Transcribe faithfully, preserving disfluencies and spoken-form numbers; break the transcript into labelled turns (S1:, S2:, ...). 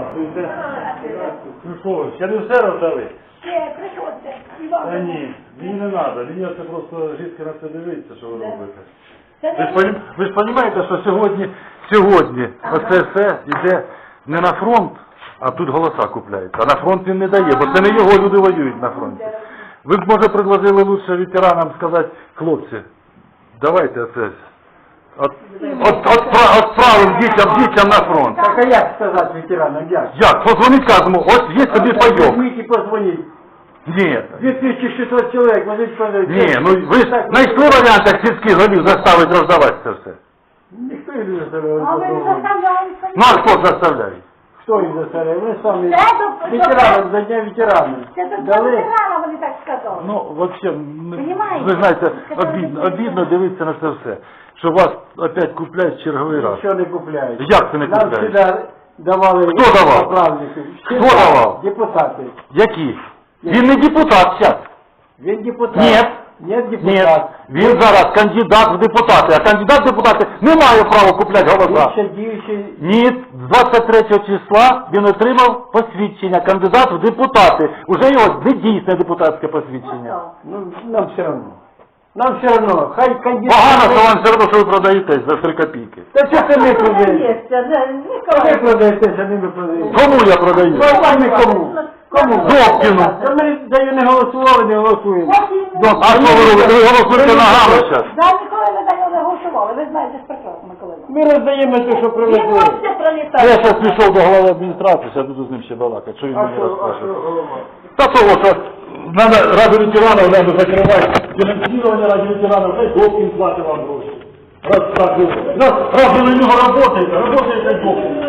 S1: Здравствуйте. Ну що, ще не все роздали?
S2: Ще, приходьте.
S1: Та ні, мені не треба. Мені це просто жінка на це дивиться, що ви робите.
S2: Це
S1: Ви ж, понім- ви ж розумієте, що сьогодні, сьогодні оце все йде не на фронт, а тут голоса купляються. А на фронт він не дає, бо це не його люди воюють на фронті. Ви б, може, предложили лучше ветеранам сказати, хлопці, давайте оце, от, от, от, отправимо дітям, дітям на фронт.
S3: Так а як сказати ветеранам, як?
S1: Як? Позвонить кажемо, ось є тобі пайок.
S3: Візьміть і позвоніть.
S1: Ні,
S3: дві тисячі шістсот чоловік, вони сказали.
S1: ні, ну ви ж знайшли варіант, як сільських голів заставити роздавати це все.
S3: Ніхто їх не заставляє.
S2: А ви не заставляєте?
S1: Ну а хто заставляє?
S3: Хто їх заставляє? Вони самі
S2: Це до-
S3: ветеранам, за дня ветеранів.
S2: Це тут
S3: Дали.
S2: ветерана, вони так сказали.
S1: Ну, взагалі,
S2: Понімаєте?
S1: ви знаєте,
S2: Сказали,
S1: обідно,
S2: що
S1: обідно дивитися на це все. Що вас опять купляють черговий раз.
S3: Що не купляють.
S1: Як це не
S3: Нам
S1: купляють?
S3: сюди давали.
S1: Хто давав?
S3: Направники.
S1: Хто давав?
S3: Депутати.
S1: Які? Він не депутат зараз.
S3: Він депутат.
S1: Ні.
S3: Ні,
S1: Ні,
S3: депутат.
S1: він зараз кандидат в депутати, а кандидат в депутати не має права купляти
S3: Він
S1: голоса.
S3: ще діючий.
S1: Ні, з двадцять третього числа він отримав посвідчення, кандидат в депутати. Уже його не дійсне депутатське посвідчення.
S3: Ну, нам все одно. Нам все одно. Хай кандидат.
S1: Погано, що вам все одно, що ви продаєтесь за три копійки.
S3: Та що це ми продаємо?
S2: Є, це не-
S3: Ви
S2: Ніколай.
S3: продаєтеся, не ми продаємо.
S1: Кому я продаю?
S3: Ну, а ми кому? Кому?
S1: Добкіну.
S3: Та ми за нього не голосували, не голосуємо.
S1: А що ви робите? Ви голосуєте ногами зараз.
S2: Да, ніколи не за нього не голосували, ви знаєте ж прекрасно, Микола.
S3: Ми роздаємо те, що
S2: Він
S3: привезли.
S2: вам все
S1: Я
S2: пролітає.
S1: зараз пішов до голови адміністрації, зараз буду з ним ще балакати. Що він
S3: А
S1: мені
S3: що, а
S1: розкаже?
S3: що голова?
S1: Та того, що надо ради ветеранів треба закривати фінансування ради ветеранів, хай Добкін платить вам гроші. Раз так, раз, раз ви на нього працюєте, працюєте Добкін.